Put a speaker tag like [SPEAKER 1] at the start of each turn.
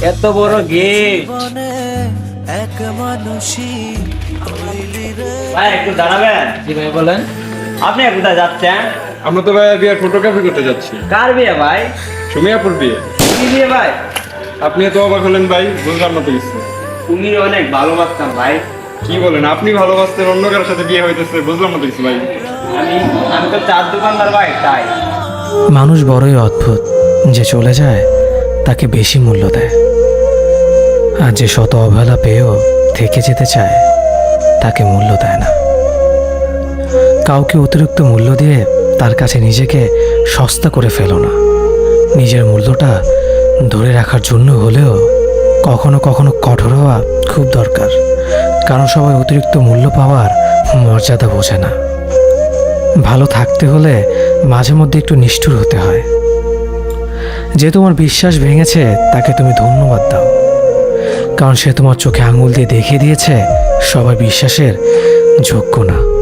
[SPEAKER 1] এত বড় গেট। ভাই একটু দাঁড়াবেন।
[SPEAKER 2] জি ভাই বলেন।
[SPEAKER 1] আপনি কোথায় যাচ্ছেন?
[SPEAKER 3] আমরা তো ভাই বিয়ের ফটোগ্রাফি করতে যাচ্ছি।
[SPEAKER 1] কার বিয়ে ভাই?
[SPEAKER 3] সুমিয়াপুর বিয়ে।
[SPEAKER 1] কি বিয়ে ভাই?
[SPEAKER 3] আপনি তো অবাক হলেন ভাই, বুঝলাম না তো কিছু।
[SPEAKER 1] তুমি অনেক ভালোবাসতাম ভাই।
[SPEAKER 3] কি বলেন, আপনি ভালোবাসতেন, অন্য কারোর সাথে বিয়ে হইতেছে, বুঝলাম না তো কিছু ভাই।
[SPEAKER 1] আমি আমি তো চার দোকানদার ভাই, তাই।
[SPEAKER 4] মানুষ বড়ই অদ্ভুত, যে চলে যায় তাকে বেশি মূল্য দেয়, আর যে শত অবহেলা পেয়েও থেকে যেতে চায় তাকে মূল্য দেয় না। কাউকে অতিরিক্ত মূল্য দিয়ে তার কাছে নিজেকে সস্তা করে ফেলো না। নিজের মূল্যটা ধরে রাখার জন্য হলেও কখনো কখনো কঠোর হওয়া খুব দরকার, কারণ সবাই অতিরিক্ত মূল্য পাওয়ার মর্যাদা বোঝে না। ভালো থাকতে হলে মাঝে মধ্যে একটু নিষ্ঠুর হতে হয়। যে তোমার বিশ্বাস ভেঙেছে তাকে তুমি ধন্যবাদ দাও, কারণ সে তোমার চোখে আঙুল দিয়ে দেখিয়ে দিয়েছে সবাই বিশ্বাসের যোগ্য না।